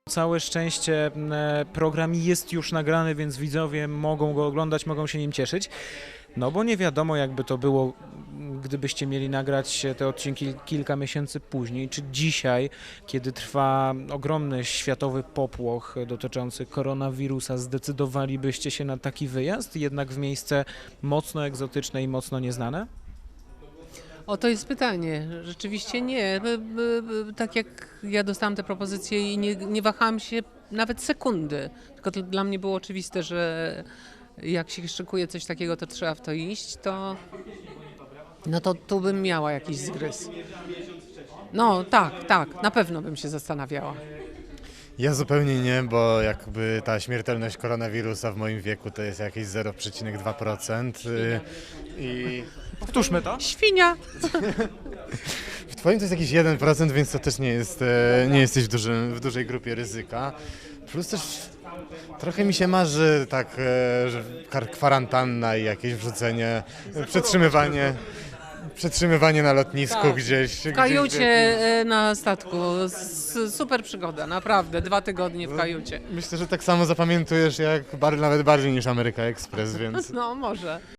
Całe szczęście program jest już nagrany, więc widzowie mogą go oglądać, mogą się nim cieszyć. No bo nie wiadomo, jakby to było, gdybyście mieli nagrać te odcinki kilka miesięcy później, czy dzisiaj, kiedy trwa ogromny światowy popłoch dotyczący koronawirusa, zdecydowalibyście się na taki wyjazd, jednak w miejsce mocno egzotyczne i mocno nieznane? O, to jest pytanie. Rzeczywiście nie. Tak jak ja dostałam te propozycje i nie wahałam się nawet sekundy. Tylko to dla mnie było oczywiste, że jak się szykuje coś takiego, to trzeba w to iść, no to tu bym miała jakiś zgryz. No tak, na pewno bym się zastanawiała. Ja zupełnie nie, bo jakby ta śmiertelność koronawirusa w moim wieku to jest jakieś 0,2%. I Powtórzmy to. Świnia! w twoim to jest jakiś 1%, więc to też nie jest, nie jesteś w dużej grupie ryzyka. Plus też trochę mi się marzy tak, że kwarantanna i jakieś wrzucenie, przetrzymywanie na lotnisku Tak. gdzieś. W kajucie na statku. Super przygoda, naprawdę. 2 tygodnie w kajucie. Myślę, że tak samo zapamiętujesz jak nawet bardziej niż Ameryka Express, więc... No może.